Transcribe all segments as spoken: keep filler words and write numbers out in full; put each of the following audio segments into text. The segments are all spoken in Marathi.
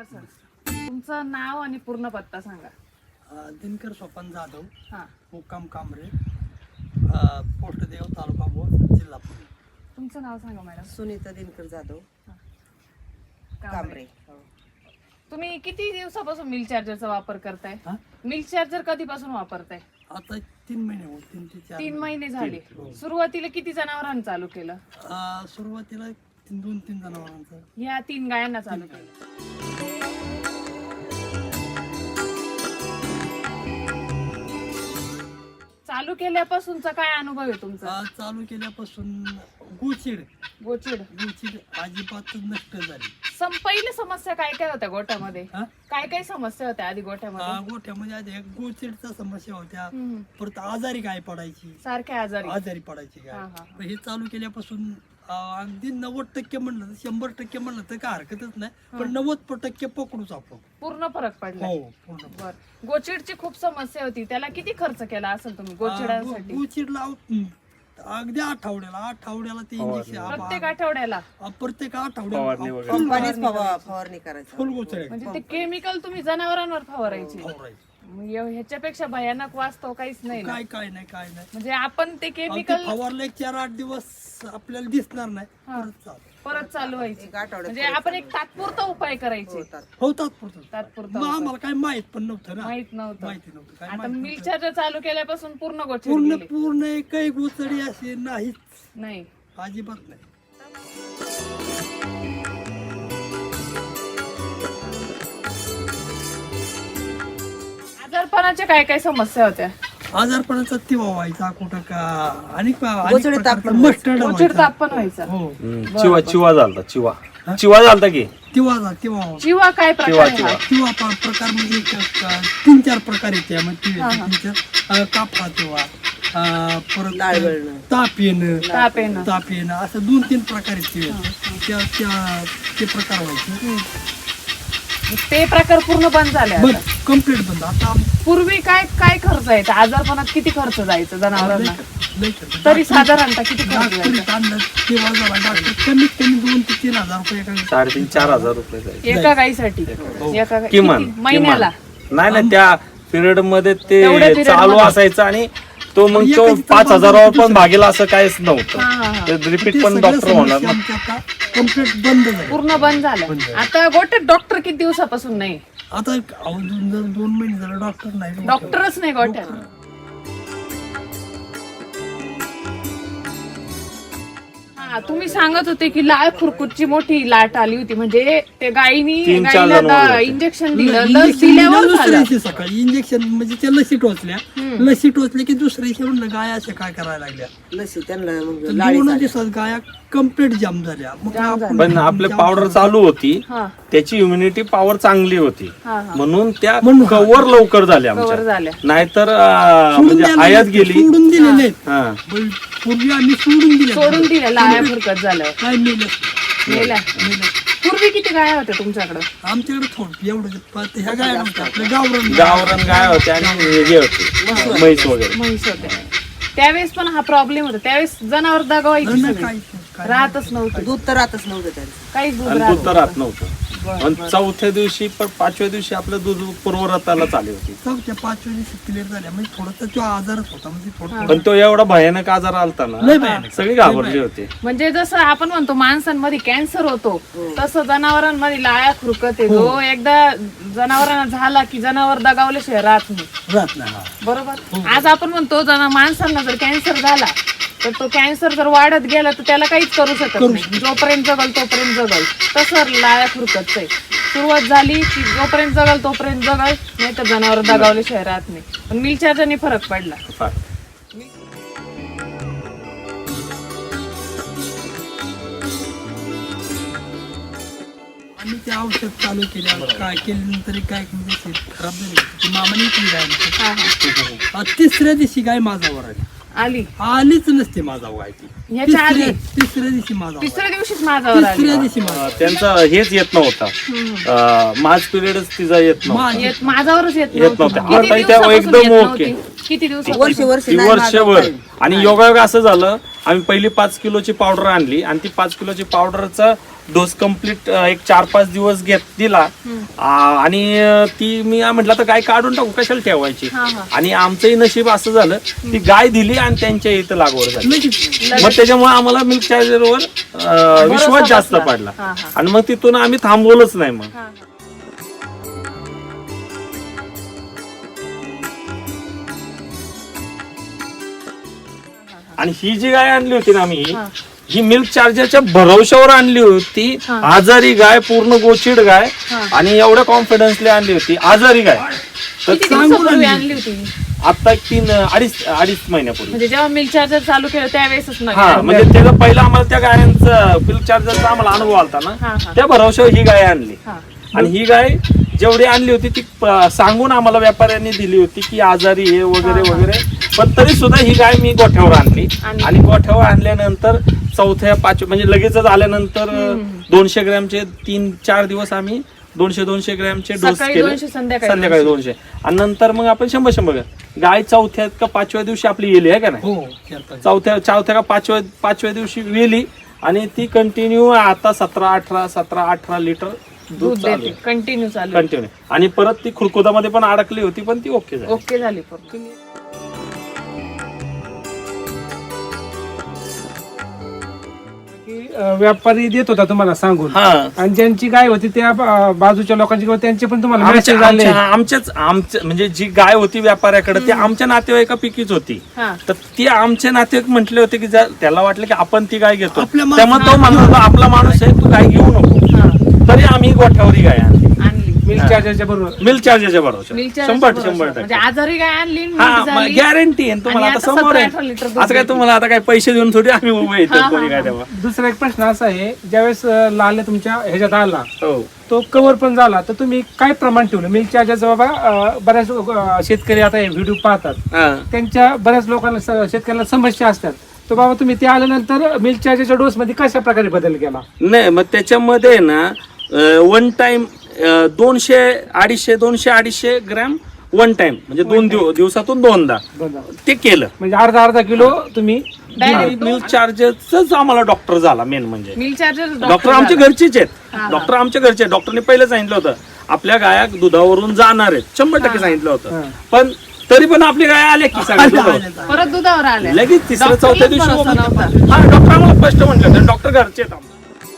सर, तुमचं नाव आणि पूर्ण पत्ता सांगा. दिनकर सोपान जाधव, हा, मुक्काम कांबरे, पोस्ट देव, तालुका भोर, जिल्हा पुणे. तुमचं नाव सांगा मॅडम. सुनीता दिनकर जाधव, कांबरे. कांबरे. तुम्ही किती दिवसापासून मिल्क चार्जरचा वापर करताय? हा? मिल्क चार्जर कधीपासून वापरताय? आता तीन महिने होत, तीन ते चार तीन महिने झाले. हो. सुरुवातीला किती जनावरांना चालू केलं? अं, सुरुवातीला तीन दोन तीन जनावरांचं. ह्या तीन गायांना चालू केलं. चालू केल्यापासूनचा काय अनुभव आहे तुमचा? अं, चालू केल्यापासून गुचिड गोचिड गुचिड अजिबात नष्ट झाली. सम पहिल्या समस्या काय काय होत्या गोठ्यामध्ये? हा? काय काय समस्या होत्या आधी गोठ्यामध्ये? अं, गोठ्यामध्ये आधी एक गुचिडच्या समस्या होत्या, हम्म. परत आजारी गाय पडायची, सारख्या आजारी. आजारी पडायची गाय. हा, हा. पण हे चालू केल्यापासून अं, अगदी नव्वद टक्के म्हणलं तर शंभर टक्के म्हणलं तर काय हरकतच नाही, पण नव्वद टक्के पकडूच आपण. पूर्ण फरक पडला. हो पूर्ण. बर, गोचिडची खूप समस्या होती, त्याला किती खर्च केला असेल तुम्ही गोचिडांसाठी? गुचिडला अगदी आठवड्याला आठवड्याला ते इंजेक्शन प्रत्येक आठवड्याला? प्रत्येक आठवड्याला कंपनीच फवा- फवारणी करायची. फुल गुचडे म्हणजे ते केमिकल तुम्ही जनावरांवर फवारायचे? फवारायचे. मग एव- ह्याच्यापेक्षा भयानक वास्तव काहीच नाही ना. काय काय नाही काय नाही. म्हणजे आपण ते अगदी केमिकल फवारले एक चार आठ दिवस आपल्याला दिसणार नाही, हा. परत चालू. परत चालू व्हायची. एक आठवड्यात म्हणजे आपण एक तात्पुरता उपाय करायचे. होतात. होतात पुरतं. तात्पुरता मग उपाय. आम्हाला काय माहित पण नव्हतं ना, माहित नव्हतं. माहिती नव्हतं काय आता माहित मिल्क नव्हतं. चार्जर चालू केल्यापासून पूर्ण गोचिड पूर्ण गेली. पूर्ण एकही गुचडी अशी नाहीच, नाही. अजिबात नाही. आजारपणाच्या काय काय समस्या होत्या? आजारपणाचा तिवा व्हायचा कुठं का आणि गोचडे तापमान मस्टर्ड गोचिड तापण व्हायचं. हो चिवा चिवा झालता चिवा चिवा झालता की तिवा जा तिवा जीवा काय प्रकार आहे हा? किंवा प्रकार म्हणजे क- क- तीन चार प्रकार येते म्हणजे तीन चार अं, कापा किंवा अं, परत लाळ गळणं. ताप येणं ताप येणं. ताप येणं असं दोन तीन प्रकार येते त्या त्या- ते प्रकार व्हायचे. ते प्रकार पूर्ण बंद झाले बंद आता. कम्प्लीट बंद. आता पूर्वी काय काय खर्च यायचा आजारपणात? किती खर्च जायचा जनावरांना? लय खर्च. तरी साधारणतः किती खर्च डॉक्टरी जायचा आणलं तेव्हा जरा डॉक्टर कमीत कमी दोन ते तीन हजार रुपये एका साडेतीन चार हजार रुपये जायचे. एका गाईसाठी? एका गाई- किमान किती? महिन्याला? किमान. नाही नाही त्या पिरियड मध्ये तेवढ्या ते period चालू मध्ये? असायचं आणि तो मग तो एकाची पाच तपासणी हजारावर पण दुसरं. भागेल असं काहीच हा, हा, नव्हतं. हा. ते रिपीट पण डॉक्टर होणार ना. कम्प्लीट बंद झालं. पूर्ण बंद झालं. आता गोट्यात डॉक्टर किती दिवसापासून नाही? आता अहो, दोन दोन- दोन महिने झाले डॉक्टर नाही. डॉक्टरच नाही गोट्यात. हा, तुम्ही सांगत होते की लाळ खुरकुटची मोठी लाट आली होती, म्हणजे ते गायीनी तीन चार गायीला जनावरं होते. इंजेक्शन दिलं, लस इंजेक्शन दिल्यावर दिलं झालं. दुसऱ्या दिवशी सकाळी इंजेक्शन म्हणजे त्या लसी टोचल्या लसी टोचल्या की दुसऱ्या दिवशी म्हणलं गाया अशा काय करायला लागल्या. लसी त्यांना मग तर लाळी दोन झाली. दिवसात गाया कम्प्लीट जाम झाल्या. मग आपण- पण आपले जाम पावडर झाल्या. चालू होती, हा, त्याची इम्युनिटी पॉवर चांगली होती, हा, हा. म्हणून त्या म्हणून- कव्हर लवकर झाल्या कव्हर आमच्या. झाल्या. नाहीतर अं, सोडून म्हणजे द्यायला आयात लागले, गेली. सोडून दिलेले आहेत. हा पण पूर्वी आम्ही सोडून दिले सोडून दिलं लाळ्या फुरकत झालं. काय मेलं मेल्या. पूर्वी किती गाया होत्या तुमच्याकडं? आमच्याकडे थोडं एवढं पण ह्या गाया नव्हत्या आपल्या गावरान गावरान गाय होते आणि हे होते म्हैस वगैरे. म्हैस होत्या. त्यावेळेस पण हा प्रॉब्लेम होता. त्यावेळेस जनावर दगावायची नाही, सगळी. काय- काय- राहतच नव्हतं, दूध तर राहतच नव्हतं त्यांचं. काहीच दूध आणि राहत दूध तर राहत नव्हतं. आणि चौथ्या दिवशी पण पाचव्या दिवशी आपलं दूध पूर्वरताला चालू होती. चौथ्या पाचव्या दिवशी क्लिअर झाल्या म्हणजे थोडासा तो आजारच होता म्हणजे थोडं पण तो एवढा भयानक आजार आलता ना, लय भयानक. सगळी घाबरली होती. म्हणजे जसं आपण म्हणतो माणसांमध्ये कॅन्सर होतो, तसं जनावरांमध्ये लाळ्या खुरकत आहे. जो एकदा जनावरांना झाला की जनावर दगावल्याशिवाय राहत नाही. राहत नाही. हा. बरोबर. आज आपण म्हणतो जना माणसांना जर कॅन्सर झाला तर तो कॅन्सर जर वाढत गेला तर त्याला काहीच करू शकत नाही. जोपर्यंत जगल तोपर्यंत जगल. तसं लाळ्या खुरकत आहे. सुरुवात झाली की जोपर्यंत जगल तोपर्यंत जगल, नाही तर जनावर दगावल्याशिवाय राहत नाही. पण मिल्क चार्जरने फरक पडला. फार. आम्ही ते औषध चालू केल्यावर काय केल्यानंतर काय म्हणजे ते खराब झाली ती मामाने विकली गाय आमची. हा, हा. आ, तिसऱ्या दिवशी गाय माझावर आली आली आलीच नसते माझा गाय ती ह्याच्या आधी तिसऱ्या तिसऱ्या दिवशी माझा तिसऱ्या दिवशीच माझ्यावर आली. तिसऱ्या दिवशी माझा अं, त्यांचा हेच येत नव्हता, मार्च पिरियडच तिचा येत नव्हता. मा- येत माझ्यावरच येत येत नव्हती. नव्हती. किती आता त्या दिवसापासून एकदम येत ओके. नव्हती? किती दिवस वर्ष वर्ष ती नाही वर्षभर. माझं आणि योगायोग असं झालं, आम्ही पहिली पाच किलोची पावडर आणली आणि ती पाच किलोची पावडरचा डोस कम्प्लीट एक चार पाच दिवस घेत दिला आ, आणि अं, ती मी म्हटलं तर गाय काढून टाकू, कशाला ठेवायची. हा, हा. आणि आमचंही नशीब असं झालं ती गाय दिली आणि त्यांच्या इथं लागवड झाली. लगेच मग त्याच्यामुळे आम्हाला मिल्क चार्जरवर विश्वास जास्त बसला. पडला हा, हा. आणि मग तिथून आम्ही थांबवलंच नाही मग. हा, हा. आणि ही जी गाय आणली होती ना आम्ही, हा. ही मिल्क चार्जरच्या भरवशावर आणली होती. हा. आजारी गाय, पूर्ण गोचिड गाय, हा. आणि एवढ्या कॉन्फिडन्सली आणली होती आजारी गाय. तर किती दिवसापूर्वी आणली होती? आता एक तीन अडीच अडीच महिन्यापूर्वी. म्हणजे जेव्हा मिल्क चार्जर चालू केलं त्यावेळेसच नाही हा, म्हणजे त्याचा पहिला आम्हाला त्या गायांचा मिल्क चार्जरचा आम्हाला अनुभव आलता हा, ना, हा. त्या भरवशावर ही गाय आणली. हा. आणि ही गाय जेवढी आणली होती ती प- सांगून आम्हाला व्यापाऱ्यांनी दिली होती की आजारी आहे वगैरे वगैरे, पण तरी सुद्धा ही गाय मी गोठ्यावर आणली. आणली. आणि गोठ्यावर आणल्यानंतर चौथ्या पाचव्या म्हणजे लगेचच आल्यानंतर दोनशे ग्रॅमचे तीन चार दिवस आम्ही दोनशे दोनशे ग्रॅमचे डोस सकाळी केले, दोनशे, संध्याकाळी संध्याकाळी दोनशे, आणि नंतर मग आपण शंभर शंभर गाय चौथ्या का पाचव्या दिवशी आपली गेली आहे का नाही, हो चार-पाच. चौथ्या चौथ्या का पाचव्या पाचव्या दिवशी वेली, आणि ती कंटिन्यू आता सतरा अठरा सतरा अठरा लिटर दूध दूध चालू देते कंटिन्यू चालू आहे. कंटिन्यू. आणि परत ती खुरकुदामध्ये पण अडकली होती, पण ती ओके झाली. ओके झाली पूर्ण. की, अं, व्यापारी देत होता तुम्हाला सांगून, हा, आणि ज्यांची गाय होती त्या अं, बाजूच्या लोकांची किंवा त्यांचे पण तुम्हाला आमच्या मेसेज आले. आमच्या- आमच्याच आमच्या म्हणजे जी गाय होती व्यापाऱ्याकडे ती आमच्या नातेवाईकापैकीच होती. हा. तर ती आमचे नातेवाईक म्हटले होते की जर त्याला वाटलं की आपण ती गाय घेतो, आपल्या त्यामुळे तो म्हणत होता आपला माणूस आहे, तू गाय घेऊ नको. हा. तरी आम्ही गोठ्यावरी गाय आणली आणली मिल्क चार्जरच्या बरोबर. मिल्क चार्जेसच्या बरोबर. मिल्क शंभर चार्जर शंभर म्हणजे टक्के आजारी गाय आणली नीट हा, झाली. गॅरंटी आहे तुम्हाला. आणि आता आता समोर सतरा अठरा लिटर आहे, दूध असं काय देते. तुम्हाला आता काय पैसे देऊन थोडी आम्ही उभे येतो हा, कोणी हा, काय हा. तेव्हा. दुसरा एक प्रश्न असा आहे, ज्यावेळेस अं, लाल तुमच्या ह्याच्यात आला हो, तो कव्हर पण झाला, तर तुम्ही काय प्रमाण ठेवलं मिल्क चार्जरचं? बाबा अं, बऱ्याच अं, शेतकरी आता हे व्हिडिओ पाहतात, हा. त्यांच्या बऱ्याच लोकांना स- शेतकऱ्यांना समस्या असतात, तर बाबा तुम्ही ते आल्यानंतर मिल्क चार्जरच्या डोस मध्ये कशा प्रकारे बदल केला? नाही मग त्याच्यामध्ये ना वन टाइम दोनशे अडीचशे दोनशे अडीचशे ग्रॅम वन टाइम म्हणजे दोन दिव दिवसातून दोनदा बघा. ते केलं. म्हणजे अर्धा अर्धा किलो तुम्ही Direct मिल्क चार्जरच आम्हाला डॉक्टर झाला मेन म्हणजे. मिल्क चार्जर डॉक्टर आमच्या घरचेच हा, आहेत, हा. डॉक्टर आमच्या घरचे. डॉक्टरने पहिलं सांगितलं होतं आपल्या गाया दुधावरून जाणार आहेत, शंभर टक्के सांगितलं होतं. हा. पण तरी पण आपली गाय आल्या की सगळ्या दुधावर. परत दुधावर आले लगेच तिसऱ्या डॉक्टरलाच चौथ्या दिवशी भरोसा ओपन- नव्हता. हा, डॉक्टर आम्हाला स्पष्ट म्हटलं होतं, डॉक्टर घरचे आहेत आम्हाला.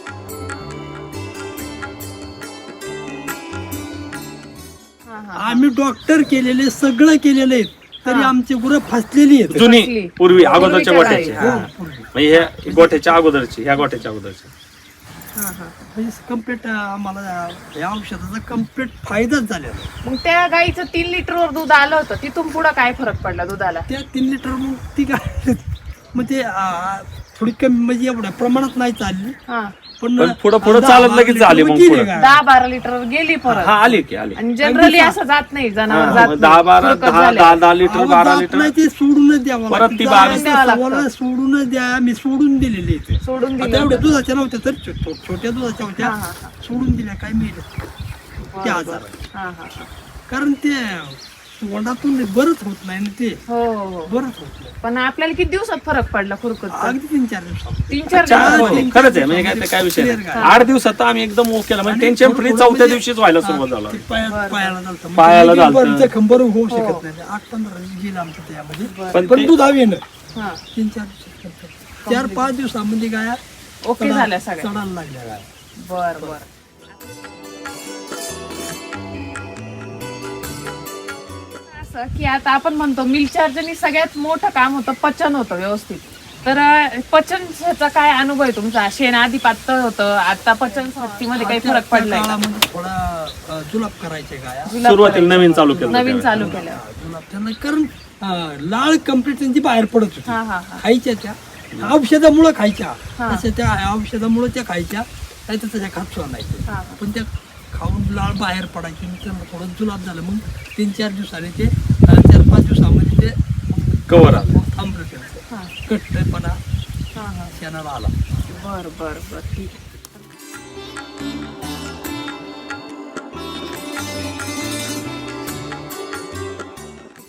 हा, हा. आम्ही डॉक्टर केलेले सगळं केलेलं आहे, तरी आमची गुरं फसलेली आहेत. जुनी फसली. पूर्वी अगोदरच्या पूर्वीच्या गोठ्याची, गाई. हा. म्हणजे ह्या गोठ्याच्या अगोदरची ह्या गोठ्याच्या अगोदरची. हा, हा. म्हणजे कम्प्लीट आम्हाला या औषधाचा कम्प्लीट फायदाच झालेला आहे. मग त्या गाईचं तीन लिटरवर दूध आलं होतं, तिथून पुढे काय फरक पडला दुधाला? त्या तीन लिटर मग ती काय मग ते आ, थोडी कमी म्हणजे एवढ्या प्रमाणात नाही चालली, हा. पण पण पुढं- पुढं दहा चालत बारा लगेच झाली लिटर मग गेली पुढं. गाय. दहा बारा लिटर गेली परत. हा, आली की आली. आणि जनरली असं जात नाही जनावर हा, जात मग दहा बारा फुरकत दहा झाले. दहा दहा लिटर अहो, बारा जात लिटर नाही, ते सोडूनच द्यावं परत लागतं. ती जायला बावीस- द्यावं लागतं. सव्वाला सोडूनच द्या, मी सोडून दिलेले इथे. सोडून आता दिलं एवढ्या होतं. दुधाच्या नव्हत्या तर छो- छो- छोट्या दुधाच्या होत्या, हा, हा, हा. सोडून दिल्या काय मिळेल ते आजार हा, हा, हा. कारण ते वडातून बरंच होत नाही ना, ते हो हो हो. बरंच होत नाही. पण आपल्याला किती दिवसात फरक पडला खुरकतचा? अगदी तीन चार दिवसात तीन चार चार दिवसात? हो, खरंच आहे म्हणजे काय ते काय विषय नाही. Clear गाय. आठ दिवसात आम्ही एकदम ओके केला म्हणजे टेन्शन फ्री चौथ्या दिवशीच व्हायला सुरुवात झाला. ते पाया- पायाला झालतं. मग पायाला ते झालतं. बरं जखम बरं होऊ शकत नाही. आठ पंधरा दिवस गेलं आमचं त्यामध्ये, पण पण ते- दूध हवी ना हा. तीन चार दिवसात चार पाच दिवसामध्ये गाया ओके चढा- झाल्या सगळ्या. चढायला लागल्या गाया. बर बर. असं की आता आपण म्हणतो मिल्क चार्जरनी सगळ्यात मोठं काम होतं, पचन होतं व्यवस्थित. तर अं, पचनचा काय अनुभव आहे तुमचा? शेण आधी पातळ होतं, आता पचन शक्तीमध्ये काही त्या- फरक त्या पडलाय का? काळामध्ये थोडा अ, जुलाब करायचे गाया जुलाब सुरुवातीला करायचं. नवीन चालू केलं नवीन त्यावेळेस. चालू केलं. जुलाब त्यांना कारण अ, लाळ कम्प्लीट त्यांची बाहेर पडत होती हा हा हा. खायच्या त्या औषधामुळे खायच्या हा. तसं त्या औषधामुळे त्या खायच्या नाही तर त्याच्या खात सुद्धा नाही हा, हा. पण त्या खाऊन लाळ बाहेर पडायची मग त्यांना थोडं जुलाब झालं मग तीन चार दिवसाने ते अ, चार पाच दिवसामध्ये ते कवर आलं. मग थांबलं त्यांचं हा. कट्टपणा हा हा. शेणाला आला. बर बर बर ठीक आहे.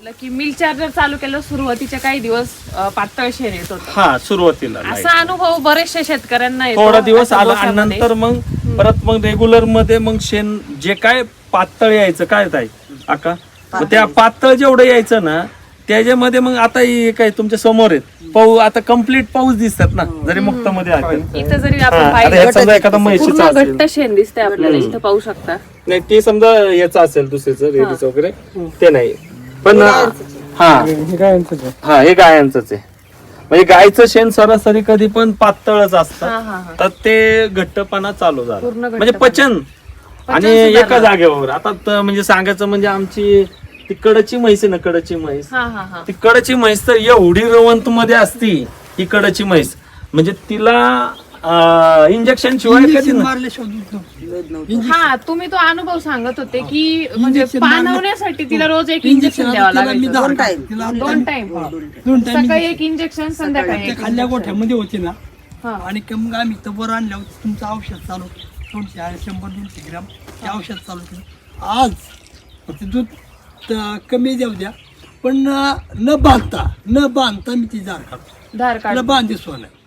की मिल चार्जर चालू केलं सुरुवातीचे काही दिवस अं, पातळ शेण येत होतं. हा सुरुवातीला नाही. असा अनुभव बरेचशा शेतकऱ्यांना येतो थोडा दिवस आता आला आणि दोसामध्ये. नंतर मग परत मग रेग्युलर मध्ये मग शेण जे काय पातळ यायचं काय ताई आका मग त्या पातळ जेवढं यायचं ना त्याच्यामध्ये मग आता हे काय तुमच्या समोर आहेत पाऊस आता कम्प्लीट पाऊस दिसतात ना जरी मुक्त मध्ये आहे इथं जरी हा, आपण आता पाहिलं ह्यात समजा एखादा म्हैशीचा पूर्ण असेल घट्ट शेण दिसतंय आपल्याला इथं पाहू शकता. नाही ते समजा याचं असेल दुसरीचं रेडीचं वगैरे ते नाही पण हा हे काय यांचंच आहे. हा हे गायांचंच आहे म्हणजे गायचं शेण सरासरी कधी पण पातळच हा असतं हा हा तर ते घट्टपणा चालू झाला पूर्ण घट्टपणा. म्हणजे पचन आणि सुधारलं. एका जागेवर आता त- म्हणजे सांगायचं म्हणजे आमची ती कडची म्हैस आहे ना कडची म्हैस हा हा हा ती कडची म्हैस तर एवढी रवंत मध्ये असती ही कडची म्हैस म्हणजे तिला इंजेक्शन शिवाय कधी इंजेक्शन नाही. मारल्याशिवाय दूध नव्हतं. दूध नव्हतं. हा तुम्ही तो अनुभव सांगत होते की म्हणजे इंजेक्शन मारलं. पाणवण्यासाठी तिला रोज एक इंजेक्शन इंजेक्शन द्यावं आता तिला मी लागायचं. दहा दोन टाइम. तिला दोन टाइम हा, दोन टाइम सकाळी एक इंजेक्शन संध्याकाळी त्या एक खाल्ल्या injection. गोठ्यामध्ये होते ना हा. आणि मग आम्ही तर वर आणल्यावर तुमचं औषध चालू दोनशे आणि शंभर दोनशे ग्राम ते औषध चालू केलं आज ते दूध त- कमी जाऊ द्या पण अं, न बांधता न बांधता मी ती जार काढतो धार त्याला काढ बांधे सोन आहे.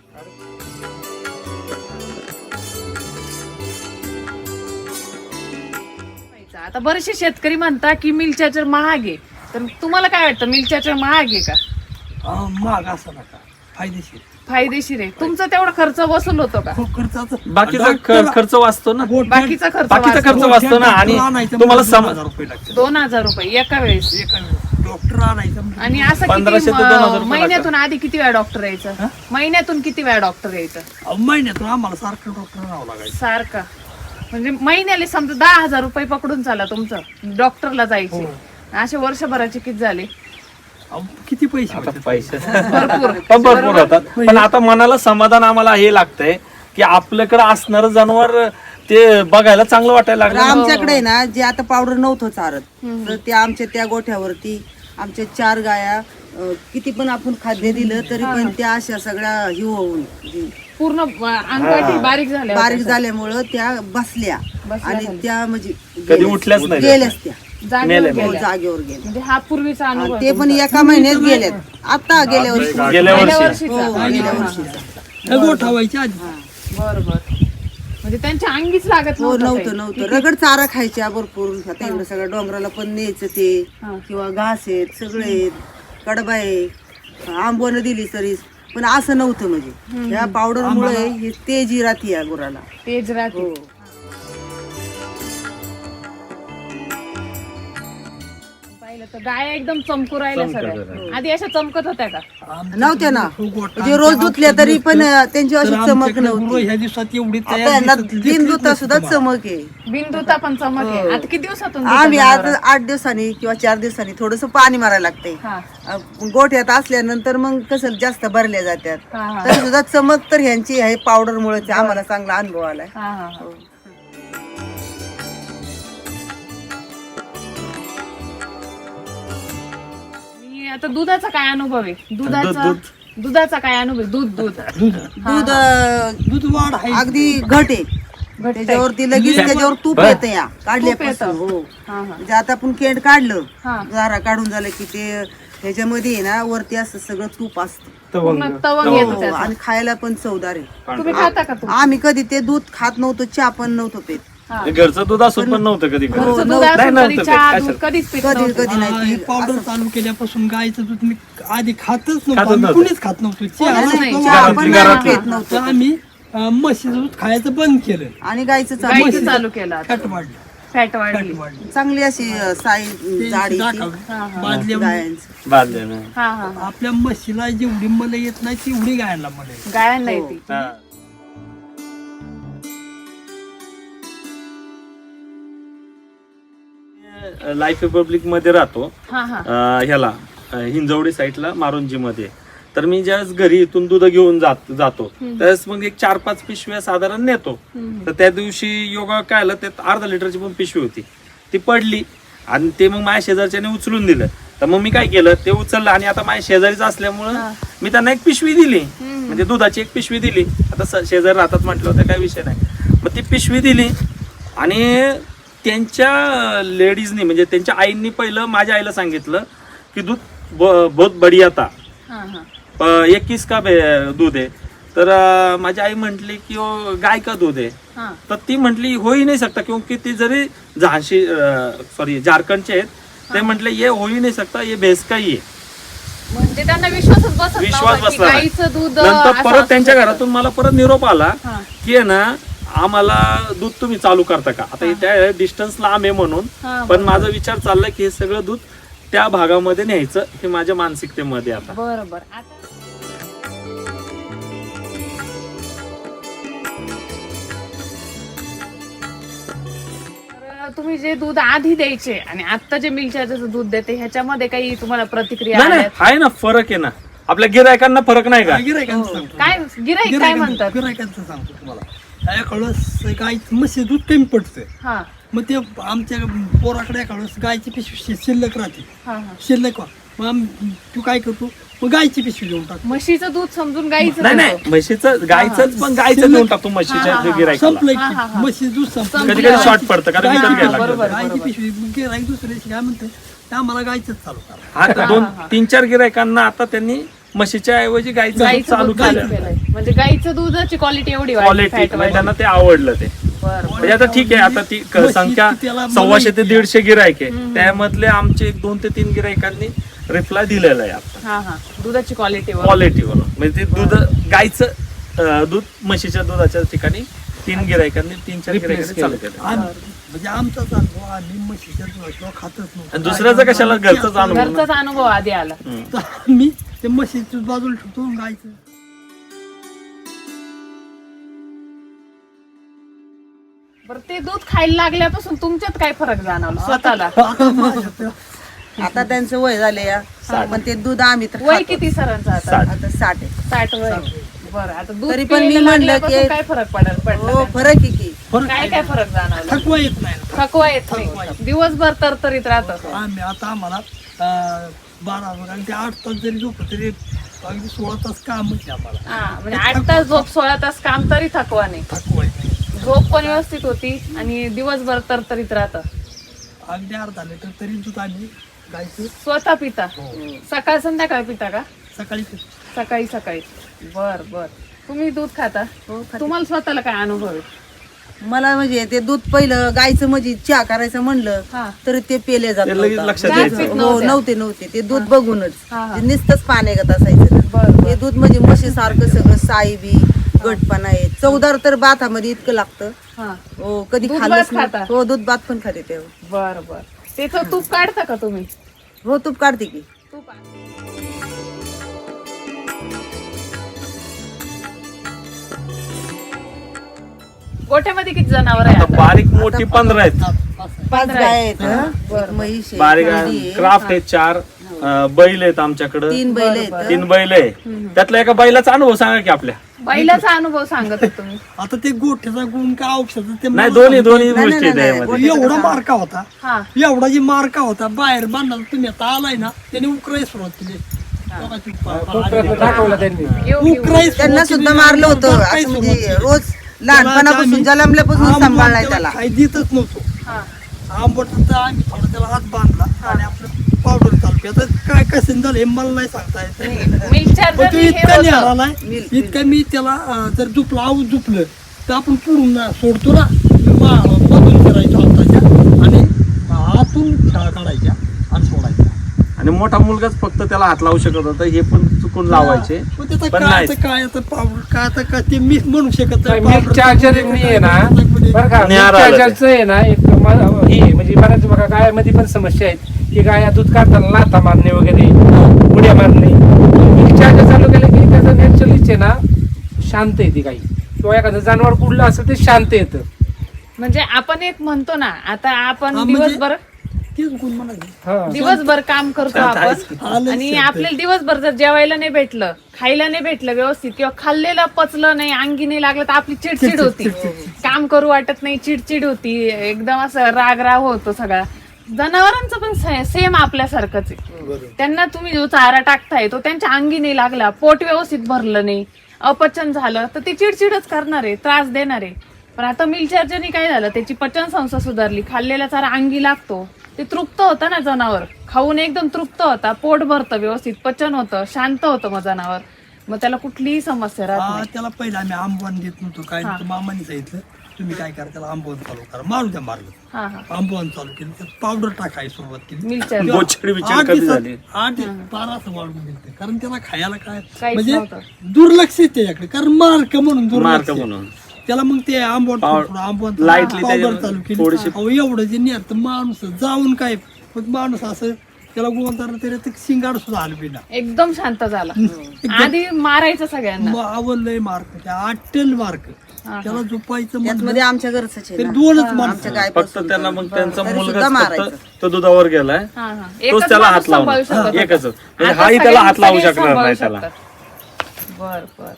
आता बरेचसे शेतकरी म्हणतात की मिल चार्जर महाग आहे तर तुम्हाला काय वाटतं मिल चार्जर महाग आहे का अं, महाग असा नका फायदेशीर फायदेशीर आहे तुमचा तेवढा खर्च वसूल होतो का खूप खर्चाचा बाकीचा ख- खर्च वाचतो ना बाकीचा खर्च बाकीचा वाचतो. खर्च वाचतो ना आणि तुम्हाला सम हजार रुपये लागतात दोन हजार रुपये एका वेळेस एका वेळेस डॉक्टर आणायचं म्हणजे आणि असं पंधराशे किती ते दोन हजार म- रुपये महिन्यातून आधी किती वेळा डॉक्टर यायचं महिन्यातून किती वेळा डॉक्टर यायचं अं, महिन्यातून आम्हाला सारखं डॉक्टर आणावं लागायचं सारखा म्हणजे महिन्याला समजा दहा हजार रुपये पकडून चाला तुमचं डॉक्टरला जायचे असे वर्षभराचे किती झाले अं, किती पैसे आता होते? पैसे भरपूर पण भरपूर होतात पण आता मनाला समाधान आम्हाला हे लागतंय की आपल्याकडे असणार जनावर ते बघायला चांगलं वाटायला तर लागलं आमच्याकडे आहे ना जे आता पावडर नव्हतं चारत तर ते आमच्या त्या गोठ्यावरती आमच्या चार गाया अं, किती पण आपण खाद्य दिलं तरी पण त्या अशा सगळ्या ही होऊन जी पूर्ण अंगठी बारीक झाल्या बारीक झाल्यामुळं त्या बसल्या आणि त्या म्हणजे कधी गेल्याच. उठल्याच नाही गेल्याच त्या जागेवर मेल्या, हो, गेल्या. जागेवर गेल्या म्हणजे हा पूर्वीचा अनुभव आणि ते पण एका महिन्यात गेल्यात आता गेल्या वर्षी गेल्या गेल्या वर्षी वर्षीचा हो गेल्या वर्षीचा त्या गोठवायच्या आधी बरोबर म्हणजे त्यांच्या अंगीच लागत हो नव्हतं नव्हतं काही. नव्हतं रगड चारा खायच्या भरपूर आता इकडं सगळं डोंगराला पण न्यायचं ते हा. किंवा घास आहेत सगळे आहेत कडबा आहे आंबोनं दिली तरी पण असं नव्हतं म्हणजे या पावडर मुळे हे तेजी राहते या गुराला तेज राहते हो पाहिलं तर गाया एकदम चमकू राहिल्या सगळ्या आधी अशा चमकत होत्या का नव्हत्या ना तो गोठा म्हणजे रोज धुतल्या तरी पण त्यांची अशी तर चमक आमच्याकडे नव्हती गुरं ह्या दिवसात एवढी आता तयार यांना दिसत- बिन धुता सुद्धा चमक आहे बिंदुता पण चमक आहे आता किती दिवसातून आम्ही धुता आता जनावरं? आठ दिवसांनी किंवा चार दिवसांनी थोडस पाणी मारायला लागतंय हा अं, गोठ्यात असल्यानंतर मग कसं जास्त भरल्या जातात हा हा तरी सुद्धा चमक तर ह्यांची आहे पावडर मुळे आम्हाला चांगला अनुभव आलाय हा हा हा. आणि आता दुधाचा काय अनुभव आहे दुधाचा दुधाचा काय अनुभव आहे? दूध दूध दूध अं, दूध वाढ आहे अगदी घट आहे घट्ट त्याच्यावरती लगेच त्याच्यावर तूप येतं या काढल्यापासून हो हा हा म्हणजे आता आपण केंड काढलं हा. झारा काढून झालं की ते त्याच्यामध्ये आहे ना वरती असं सगळं तूप असतं पूर्ण तवंग येतो हो, त्याचा आणि खायला पण चवदार आहे तुम्ही खाता का तुम्ही आम्ही कधी ते दूध खात नव्हतो चहा पण नव्हतो पेत हा. घरचं दूध असून पण नव्हतं कधी कधी. घरचं दूध नव्हतं. असून नाही, कधी नव्हतं चहा ते. दूध कधीच पित कधी नव्हतं. कधी नाही ती पावडर चालू केल्यापासून गायचं दूध मी आधी खातच नव्हतो खातच आम्ही नव्हतं. कुणीच खात नव्हतो चहा कोणीच नाही. नव्हतं, चहा वाढ पण घरातली- नाही पेत तर नव्हतं आम्ही अं, म्हशीचं दूध खायचं बंद केलं आणि गायचं चालू गाईचं चालू केलं आता. फॅट वाढलं फॅट वाढली फॅट वाढली चांगली अशी अं, साई ते जाडी ती दाखवलं. बादल्या गायांची बादल्यानं. हा हा आपल्या म्हशीला जेवढी मला येत नाही तेवढी गायांना मला येते. गायांना येते हा. लाईफ रिपब्लिक मध्ये राहतो हा हा अं, ह्याला अं, हिंजवडी साईडला मारुंजी मध्ये तर मी ज्यावेळेस घरी इथून दूध घेऊन जात जातो त्यावेळेस मग एक चार पाच पिशव्या साधारण नेतो तर त्या दिवशी योगा काय आलं त्यात अर्धा लिटरची पण पिशवी होती ती पडली आणि ते मग माझ्या शेजारच्याने उचलून दिलं तर मग मी काय केलं ते उचललं आणि आता माझ्या शेजारीच असल्यामुळं मी त्यांना एक पिशवी दिली म्हणजे दुधाची एक पिशवी दिली आता स- शेजारी राहतात म्हटलं होतं काही विषय नाही मग ती पिशवी दिली आणि त्यांच्या लेडीजनी म्हणजे त्यांच्या आईंनी पहिलं माझ्या आईला सांगितलं की दूध ब- बहुत बढ़िया था, हा हा इक्कीस का बे- दूध आहे. तर अं, माझी आई म्हटली की वो गाय का दूध आहे. हा तर ती म्हटली हो ही नाही सकता, क्योंकि ती जरी झाशी सॉरी झारखंडचे आहेत, ते म्हटले ये हो ही नाही सकता, ये भैंस का ही आहे. म्हणजे त्यांना विश्वासच बसत विश्वास नव्हता की बसला नाही. गाईचं दूध नंतर असं परत असू त्यांच्या शकतं. घरातून मला परत निरोप आला हा. की आहे ना आम्हाला दूध तुम्ही चालू करता का. आता त्या डिस्टन्स लांब आहे म्हणून, हा, पण माझा विचार चाललाय की हे सगळं दूध त्या भागामध्ये न्यायचं, हे माझ्या मानसिकतेमध्ये आता. बरोबर. आता तर तुम्ही जे दूध आधी द्यायचे आणि आता जे मिल्क चार्जरचं दूध देते ह्याच्यामध्ये काही तुम्हाला प्रतिक्रिया नाही नाही आल्यात? आहे ना, फरक आहे ना. आपल्या गिरायकांना फरक नाही का. गिरायकांचं सांगतो काय गिराईक काय म्हणतात? गिरायकांचं सांगतो तुम्हाला. एखादं गाय म्हशी दूध कमी पडतंय, हा मग ते आमच्या पोराकडे एखादं गायची पिशवी शिल्लक राहते, हा हा शिल्लक व्हा. मग आम- तू काय करतो, मग गायची पिशवी घेऊन टाक. म्हशीचं दूध समजून गाईचं नाही देतो. नाही, म्हशीचं गायचंच पण गायचं देऊन टाकतो म्हशीच्या हा, हा, हा. गिरायकाला. संपलं हा, हा, की हा. म्हशी दूध संपलं. कधी कधी शॉर्ट पडतं कारण गायची- विकत घ्यायला बरोबर, लागतं. गायची बरोबर. पिशवी मग गिराईक दुसऱ्या दिवशी काय म्हणते, ते आम्हाला गायचंच चालू करा. आता दोन तीन चार गिरायकांना आता त्यांनी म्हशीच्या ऐवजी गायचं दूध गाईचं चालू दूध चालू केलं. केलंय. म्हणजे गाईचं दुधाची क्वालिटी एवढी वाढली, क्वालिटी fat वाढली. त्यांना ते आवडलं ते. बरं, म्हणजे आता ठीक आहे, आता ती क- म्हशी संख्या त्याला सव्वाशे ते मला दीडशे गिरायक आहे, त्यामधले आमचे एक दोन ते तीन गिरायकांनी रिप्लाय दिलेला आहे आता हा हा दुधाची क्वालिटी क्वालिटीवर. म्हणजे ते दूध गायचं अं, दूध म्हशीच्या दुधाच्या ठिकाणी तीन गिरायकांनी तीन चार Replace गिरायकांनी चालू केलं. केलं. आम्ही- म्हणजे आमचाच अनुभव, आम्ही म्हशीच्या दुधाशिवाय खातच आणि नव्हतो. दुसऱ्याचं कशाला घरचंच आणून. घरचाच अनुभव आधी आला. हम्म. तर आम्ही ते म्हशीचं बाजूला ठेवतो आणि गायचं. बरं ते दूध खायला लागल्यापासून तुमच्यात काय फरक जाणवला स्वतःला? आता माझ्या आता त्यांचं वय झाले या पण ते दूध आम्ही तर वय खातो. किती सरांचं आता? साठ. आता साठ आहे. साठ वय. बरं आता दूध तरी पण मी प्यायला म्हणलं लागल्यापासून की- काय फरक पडेल पडला हो का? फरक आहे की फरक काय काय फरक जाणवला? थकवा येत नाही ना. थकवा येत नाही, दिवसभर तरतरीत राहत. आम्ही आता आम्हाला अं, बारा वाजता आणि ते आठ तास जरी झोपलं तरी अगदी सोळा तास कामच आहे आम्हाला. हा म्हणजे आठ तास झोप सोळा तास काम तरी थकवा नाही. थकवा येत नाही. झोप पण व्यवस्थित होती आणि दिवसभर तरतरीत राहत. अगदी अर्धा लिटर तरी दूध आम्ही गायचं स्वतः पिता? हो. सकाळ संध्याकाळ पिता का? सकाळी पितो. सकाळी सकाळी. बर बर. तुम्ही दूध खाता? हो, खाते. तुम्हाला स्वतःला काय अनुभव आहे? मला म्हणजे ते दूध पहिलं गायचं म्हणजे चहा करायचं म्हणलं हा. तर ते पेले जात ते लगेच नव्हतं. लक्षात गाय यायचं. पीत हो नव्हत्या. नव्हते नव्हते ते दूध बघूनच हा, हा. ते नुसतंच पाण्यागत असायचं ना. बरं, बरं. हे दूध म्हणजे म्हशी सारखं सगळं साई बी गटपणा आहे. चवदार तर भातामध्ये इतकं लागतं. हा हो कधी दूध खाल्लंच भात नाही. खाता? हो दूध भात पण खाते तेव्हा. बर बर. त्याचं तूप काढता का तुम्ही? हो तूप काढते की. तूप गोठ्यामध्ये किती जनावर आहे आता आता? बारीक मोठी पंधरा आहेत. पाच आहे. पाच पंधरा गाय आहे. आहेत हं. एक म्हैस आहे, बारीक कोंबडी आहे, क्राफ्ट आहेत चार, अं, बैल आहेत आमच्याकडे तीन बैल आहेत बरं, हं. तीन बैल आहे. त्यातला एका बैलाचा अनुभव सांगा की आपल्या. बैलाचा अनुभव सांगत आहे तुम्ही. आता ते गोठ्याचा गुण का औषध ते नाही मला दोन्ही दोन्ही नाही, गोष्टी आहेत नाही, यामध्ये. एवढा मार्का होता, हा एवढा जी मार्का होता बाहेर बांधला तुम्ही आता आलाय ना, त्याने उकराई सुरुवात केली. खूप प्रयत्न दाखवला त्यांनी. येऊ घेऊ. उकराई त्यांना सुद्धा मारलं होतं असं म्हणजे रोज लहानपणापासून जन्मल्यापासून सांभाळलाय त्याला. काही देतच नव्हतो. हा. आंबट तर आम्ही थोडा त्याला हात बांधला आणि आपलं पावडर चालू केलं. आता काय कसं झालं हे मला नाही सांगता येत. मिल्क पण चार्जर तो हे इतका होतं. निघालाय, मिल्क, इतका मी त्याला अं, जर झुपलं आऊस झुपलं तर आपण पुढून ना सोडतो ना, मा- मधून करायचो हाताच्या आणि हातून शाळा काढायच्या आणि सोडायच्या. आणि मोठा मुलगाच फक्त त्याला हात लावू शकत होता, हे पण चुकून लावायचे. पण त्याचं पण काय नाही. आता काय आता पावडर काय आता काय ते मी म्हणू शकत नाही. मिल्क powder चार्जर टाकून आहे ना बरं का, मिल्क निहार आलं ते. चार्जरचं आहे ना एक म- हे म्हणजे बऱ्याच बघा गायामध्ये पण समस्या आहेत की गाया दूध काढताना लाथा मारणे वगैरे उड्या मारणे. मिल्क चार्जर चालू केलं की त्याचं नॅचरलीच आहे ना शांत येते गाई किंवा एखादं जनावर कुठलं असेल ते शांत येतं. म्हणजे आपण एक म्हणतो ना आता आपण हा, म्हणजे- दिवसभर तेच गुण म्हणाले. हा. दिवसभर काम करतो शांत आहेच आपण की. आलंच आणि शांत. आपल्याला दिवसभर जर जेवायला नाही भेटलं, खायला नाही भेटलं व्यवस्थित किंवा खाल्लेलं पचलं नाही, अंगी नाही लागलं तर आपली चिडचिड होती, काम करू वाटत नाही, चिडचिड होती, एकदम असं राग राग होतो सगळा. जनावरांचं पण सेम आपल्यासारखंच आहे. त्यांना तुम्ही जो चारा टाकताय तो त्यांच्या अंगी नाही लागला, पोट व्यवस्थित भरलं नाही, अपचन झालं तर ते चिडचिडच करणार आहे, त्रास देणार आहे. पण आता मिल चार्जरनी काय झालं, त्याची पचन संस्था सुधारली, खाल्लेला चारा अंगी लागतो, ते तृप्त होतं ना जनावर, खाऊन एकदम तृप्त होता, पोट भरतं, व्यवस्थित पचन होतं, शांत होतं मग जनावर, मग त्याला कुठलीही समस्या राहत हा, नाही. त्याला पहिला आम्ही आंबवण देत नव्हतो काय नव्हतं. मामाने सांगितलं तुम्ही काय करा, त्याला आंबवण चालू करा, मारू द्या मारलं. हा हा आंबवण चालू केलं, त्यात पावडर टाकायला सुरुवात केली. मिल चार्जर गोचडी बिचडी आठ कधी दिवसात- झाली? आठ बारा असं वाढून गेलं, कारण त्याला खायला काय काहीच म्हणजे नव्हतं. दुर्लक्ष आहे त्याच्याकडे, कारण मार्क म्हणून मार्क दुर्लक्ष आहे. म्हणून त्याला मग ते आंबवण पाव- थोडं आंबवण lightly पावडर त्याच्यावर चालू केली. थोडीशी- अहो, एवढं जे नाही तर माणूस जाऊन काय पण माणूस असं त्याला गोवंतर तरी शिंगाड सुद्धा आलं बिना एकदम शांत झाला. आधी मारायचं सगळ्यांना. आवडलंय मार्क आठल मार्क हा, त्याला झोपायचं त्यात म्हणलं मध्ये आमच्या घरच तरी दोनच माणसं आमच्या गाय फक्त त्यांना मग त्यांचा तरी मुलगा सुद्धा मारायचं. फक्त तो दुधावर गेलाय, हा, हा. तोच एकच त्याला माणूस हात लावणार. सांभाळू शकत एकच होता. म्हणजे आता हाही त्याला हात लावू सगळे शकणार नाही सांभाळू त्याला. शकतात. बर बर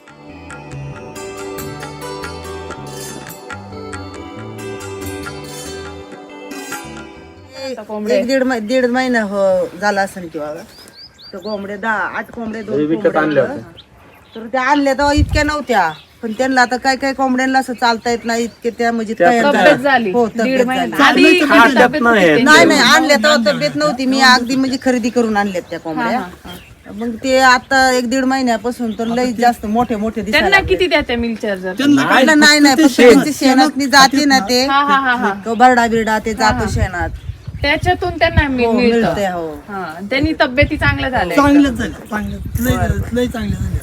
आता कोंबडे एक दीड मै- दीड महिना हो- झाला असेल किंवा तर कोंबडे दहा आठ कोंबडे दोन विकत कोंबडे आणल्या होत्या. तर त्या आणल्या तेव्हा इतक्या नव्हत्या, पण त्यांना आता काय काय कोंबड्यांना असं चालता येत नाही, इतके त्या म्हणजे त्या तयार तब्येत झाल्या. झाली हो, दीड तब्येत महिना झाली. आधी किती खात्यात तब्येत नाही होती आहे. नाही त्यांची? नाही आणल्या तेव्हा तब्येत नव्हती, मी अगदी म्हणजे खरेदी करून आणल्यात त्या कोंबड्या. मग ते आता एक दीड महिन्यापासून तर लई जास्त मोठे मोठे दिसायला त्यांना किती द्या त्या मिल चार्जर? त्यांना काय लागले. नाही नाही फक्त त्यांची शेणात जाते ना ते हा हा हा हा तो बरडा बिरडा ते जातो शेणात. त्याच्यातून त्यांना मि- हो, मिळतं. मिळते हो. हा त्यांनी तब्येती चांगल्या झाल्या. चांगल्याच झाल्या चांगल्या लय लय चांगल्या झाल्या.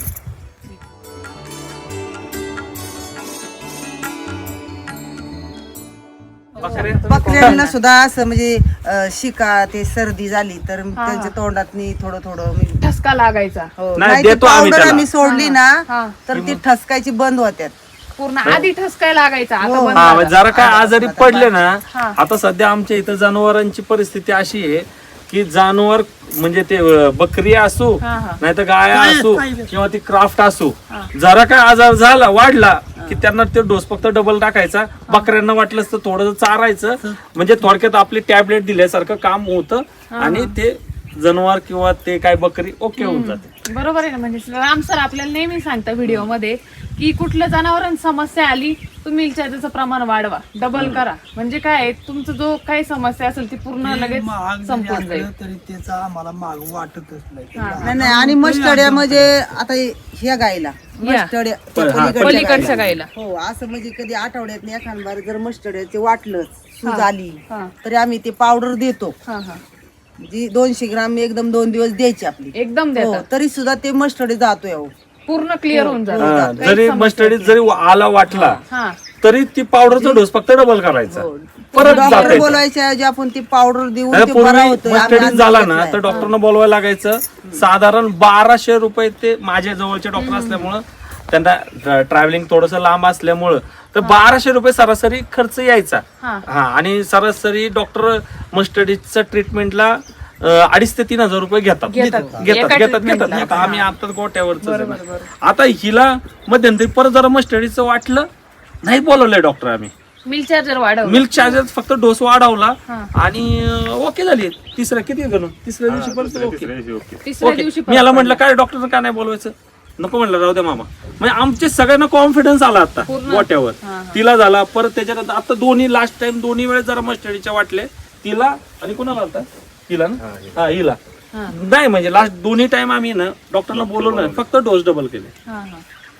बकऱ्या बकऱ्यांना सुद्धा असं म्हणजे अं, शिका ते सर्दी झाली तर त्यांच्या तोंडात थोडं थोडं मी- ठसका लागायचा हो. नाही, नाही ती देतो आम्ही पावडर त्याला. आम्ही सोडली ना हा. तर ती ठसकायची बंद होत्यात. पूर्ण आधी ठसकाय लागायचा, आता हो. बंद हा झाला. म्हणजे जरा काय आजारी पडले ना, हा. आता सध्या आमच्या इथं जनावरांची परिस्थिती अशी आहे की जनावर म्हणजे ते अं, बकरी असू हा, हा. नाही तर गाय गाय असू असू. किंवा ती क्राफ्ट असू, जरा काय आजार झाला वाढला की त्यांना ते डोस फक्त डबल टाकायचा. बकऱ्यांना वाटलंच तर थोडं चारायचं, म्हणजे थोडक्यात आपली टॅबलेट दिल्यासारखं काम होतं आणि ते जनावर किंवा ते काय बकरी ओके होऊन जाते. बरोबर आहे ना. म्हणजे राम सर आपल्याला नेहमी सांगता व्हिडिओ मध्ये की कुठल्या जनावरांची समस्या आली तुम्ही त्याचं प्रमाण वाढवा, डबल करा, म्हणजे काय तुमचं जो काही समस्या असेल ती पूर्ण लगेच महाग जरी संपून जाईल. असलं तरी त्याचा आम्हाला माग वाटतच नाही. नाही नाही आणि मस्टड्या म्हणजे आता ह्या गायला मस्टड्या त्या हा, पलीकडच्या पलीकडच्या गायीला. गाईला हो असं म्हणजे कधी आठवड्यात एखाद बार जर मस्टड्याचे वाटलं सूज आली हा. तरी आम्ही ते पावडर देतो. हा हा जी दोनशे ग्राम एकदम दोन दिवस द्यायची आपली. एकदम हो, देतात, तरी सुद्धा ते मस्टडे जातो यावं. पूर्ण क्लिअर होऊन जातं. हा, जरी मस्टडीत जरी आला वाटला हा तरी ती पावडरचा डोस फक्त डबल करायचा, परत डॉक्टर जाते. बोलवायच्या ऐवजी आपण ती पावडर देऊन ते बरा पूर्वी होतोय. आम्ही मस्टडीत अंदाज झाला ना घेतलाय. तर डॉक्टरनं बोलवायला लागायचं. साधारण बाराशे रुपये ते माझ्या जवळचे डॉक्टर असल्यामुळं त्यांना ट्रॅव्हलिंग थोडस लांब असल्यामुळं तर बाराशे रुपये सरासरी खर्च यायचा. हा. हा आणि सरासरी डॉक्टर मस्टडीच्या ट्रीटमेंटला अडीच ते तीन हजार रुपये घेतात घेतात. घेतात एका घेतात treatmentला. घेतात. आता आम्ही आता गोट्यावरच आता हिला मध्यंतरी परत जरा मस्टडीचं वाटलं, नाही बोलवलंय डॉक्टर आम्ही. मिल चार्जर वाढव. मिल्क चार्जर फक्त डोस वाढवला हा. आणि ओके झाली. तिसऱ्या किती करून तिसऱ्या दिवशी परत ओके तिसऱ्या ओके. दिवशी मी याला म्हटलं काय डॉक्टर का नाही बोलवायचं, नको म्हटलं राहू द्या मामा. म्हणजे आमचे सगळ्यांना कॉन्फिडन्स आला आता गोट्यावर. तिला झाला परत त्याच्यानंतर आता दोन्ही लास्ट टाइम दोन्ही वेळेस जरा मस्टडीच्या वाटले तिला आणि कुणाला होता हिला ना हा हिला नाही म्हणजे लास्ट दोन्ही टाइम आम्ही ना डॉक्टरला बोलवलं फक्त डोस डबल केले. हा हा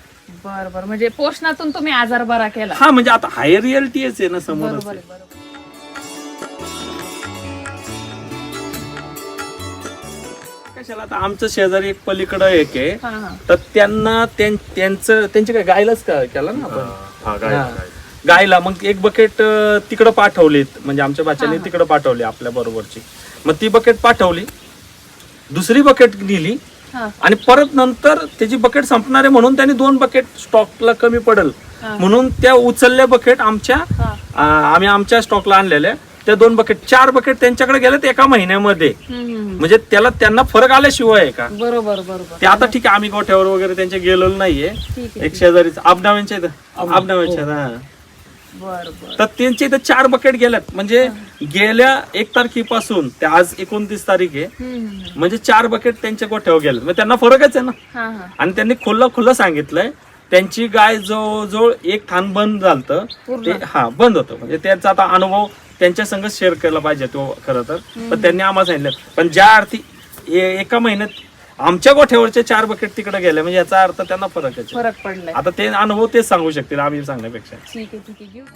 बर बर. म्हणजे पोषणातून तुम्ही आजार बरा केला. हा म्हणजे आता हाय रिअलिटीच आहे ना समोरच बरोबर आहे. आहे, बरोबर. कशाला आता आमचं शेजारी एक पलीकडं एक आहे हा हा तर त्यांना त्यां- त्यांचं त्यांची काय गायलाच का केलं ना आपण हा. गायला मग एक बकेट तिकडं पाठवलीत, म्हणजे आमच्या बाच्याने तिकडं पाठवली आपल्या बरोबरची. मग ती बकेट पाठवली, दुसरी बकेट दिली हा. आणि परत नंतर त्याची बकेट संपणार आहे म्हणून त्यांनी दोन बकेट स्टॉकला कमी पडेल म्हणून त्या उचलल्या बकेट आमच्या आ, आम्ही आमच्या स्टॉकला आणलेल्या त्या दोन बकेट चार बकेट त्यांच्याकडे गेलेत एका महिन्यामध्ये. हम्म, हम्म. म्हणजे त्याला त्यांना फरक आल्याशिवाय आहे का बरोबर बरोबर. ते आता ठीक आहे आम्ही गोठ्यावर वगैरे त्यांच्या गेलेलो नाहीये. ठीक एक शेजारीच आबनाव्यांच्या इथं आबनाव्यांच्या हा बर बर. तर त्यांच्या इथं चार बकेट गेल्यात. म्हणजे गेल्या एक तारखेपासून ते आज एकोणतीस तारीख आहे हम्म, हम्म. म्हणजे चार बकेट त्यांच्या गोठ्यावर गेले. मग त्यांना फरकच आहे ना. हा हा आणि त्यांनी खुल्लं खुल्लं सांगितलंय त्यांची गाय जवळजवळ एक थान बंद झालतं ते हा बंद होतं. म्हणजे त्यांचा आता अनुभव त्यांच्या संग शेअर केला पाहिजे तो खरं तर. पण त्यांनी आम्हाला सांगितलं, पण ज्या अर्थी ए- एका महिन्यात आमच्या गोठ्यावरचे चार बकेट तिकडे गेले म्हणजे याचा अर्थ त्यांना फरक आहे. फरक पडलाय. आता ते अनुभव तेच सांगू शकतील आम्ही सांगण्यापेक्षा. ठीक आहे ठीक आहे घेऊ.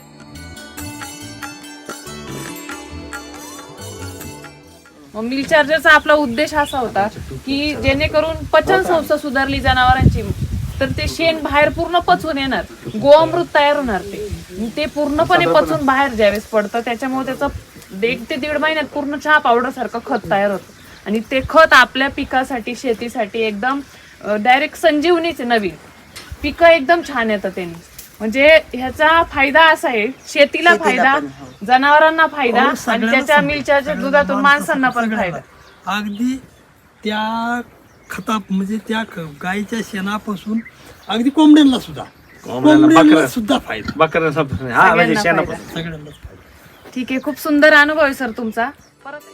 मिल चार्जरचा आपला उद्देश असा होता की जेणेकरून पचन संस्था सुधारली जनावरांची, तर ते शेण बाहेर पूर्ण पचून येणार, गोअमृत तयार होणार, ते ते पूर्णपणे पचून बाहेर ज्यावेळेस पडतं त्याच्यामुळे त्याचं एक ते दीड महिन्यात पूर्ण चहा पावडर सारखं खत तयार होतं. आणि ते खत आपल्या पिकासाठी शेतीसाठी एकदम डायरेक्ट संजीवनीच नवीन पिकं एकदम छान येतं त्यांनी. म्हणजे ह्याचा फायदा असा आहे, शेतीला फायदा, जनावरांना फायदा आणि त्याच्या मिल चार्जर दुधातून माणसांना पण फायदा. अगदी त्या खता म्हणजे त्या ख- गाईच्या शेणापासून अगदी कोंबड्यांना सुद्धा कोंबड्यांना सुद्धा फायदा, बकऱ्यांना हा म्हणजे शेणापासून सगळ्यांनाच फायदा. ठीक आहे, खूप सुंदर अनुभव आहे सर तुमचा. परत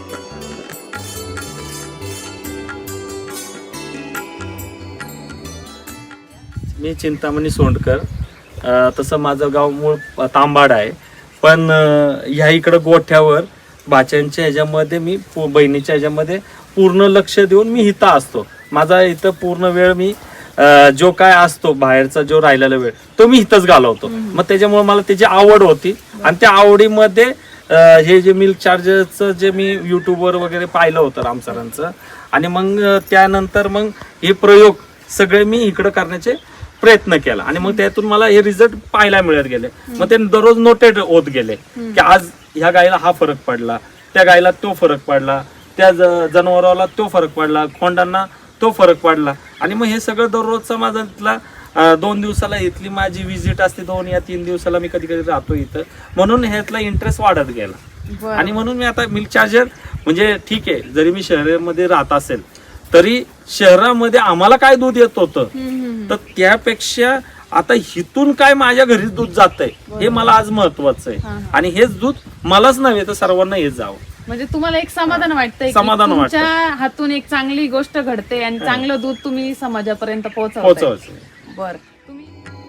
मी चिंतामणी सोंडकर. अं, तसं माझं गाव मूळ तांबाड आहे, पण अं, ह्या इकडं गोठ्यावर भाच्यांच्या ह्याच्यामध्ये मी पु- बहिणीच्या ह्याच्यामध्ये पूर्ण लक्ष देऊन मी इथं असतो. माझा इथं पूर्ण वेळ मी अं, जो काय असतो बाहेरचा जो राहिलेला वेळ तो मी इथंच घालवतो. मग त्याच्यामुळे मला त्याची आवड होती आणि त्या आवडीमध्ये अं, हे जे मिल्क चार्जरचं जे मी युट्यूबवर वगैरे पाहिलं होतं राम सरांचं, आणि मग अं, त्यानंतर मग हे प्रयोग सगळे मी इकडं करण्याचे प्रयत्न केला आणि मग त्यातून मला हे रिझल्ट पाहायला मिळत गेले. मग ते दररोज नोटेड होत गेले की आज ह्या गायीला हा फरक पडला, त्या गायीला तो फरक पडला, त्या ज- जनावराला तो फरक पडला, खोंडांना तो फरक पडला. आणि मग हे सगळं दररोजचा माझा इथला अं, दोन दिवसाला इथली माझी विजिट असते, दोन या तीन दिवसाला मी कधी कधी राहतो इथं, म्हणून ह्यातला इंटरेस्ट वाढत गेला. बरं. आणि म्हणून मी आता मिल्क चार्जर म्हणजे ठीक आहे, जरी मी शहरामध्ये राहत असेल तरी शहरामध्ये आम्हाला काय दूध येत होतं तर त्यापेक्षा आता हिथून काय माझ्या घरी दूध जातंय हे मला आज महत्वाचं आहे. आणि हेच दूध मलाच नव्हे तर सर्वांना हेच जावं. म्हणजे तुम्हाला एक समाधान वाटतंय की समाधान वाटतं. तुमच्या हातून एक चांगली गोष्ट घडते आणि चांगलं दूध तुम्ही समाजापर्यंत पोहोचवताय. पोहोचवायचं. बर, तुम्ही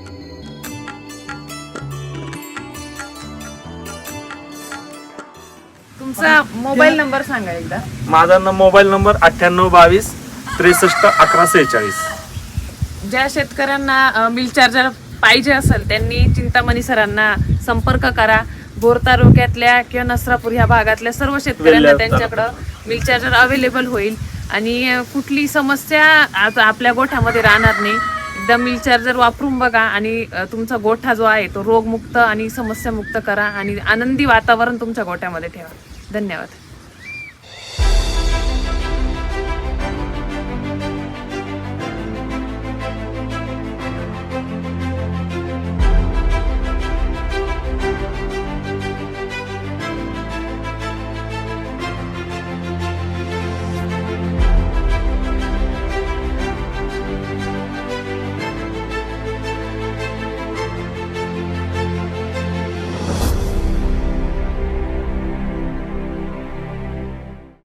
तुमचा मोबाईल नंबर सांगा एकदा. माझा न- मोबाईल नंबर अठ्ठ्याण्णव बावीस त्रेसष्ट अकरा सेहेचाळीस. ज्या शेतकऱ्यांना मिल चार्जर पाहिजे असेल त्यांनी चिंतामणी सरांना संपर्क करा. भोर तालुक्यातल्या किंवा नसरापूर ह्या भागातल्या सर्व शेतकऱ्यांना वेल्हे त्यांच्याकडं मिल चार्जर अवेलेबल होईल आणि अं, कुठली समस्या आता आपल्या गोठ्यामध्ये राहणार नाही. एकदा मिल चार्जर वापरून बघा आणि अं, तुमचा गोठा जो आहे तो रोगमुक्त आणि समस्यामुक्त करा आणि आनंदी वातावरण तुमच्या गोठ्यामध्ये ठेवा. धन्यवाद.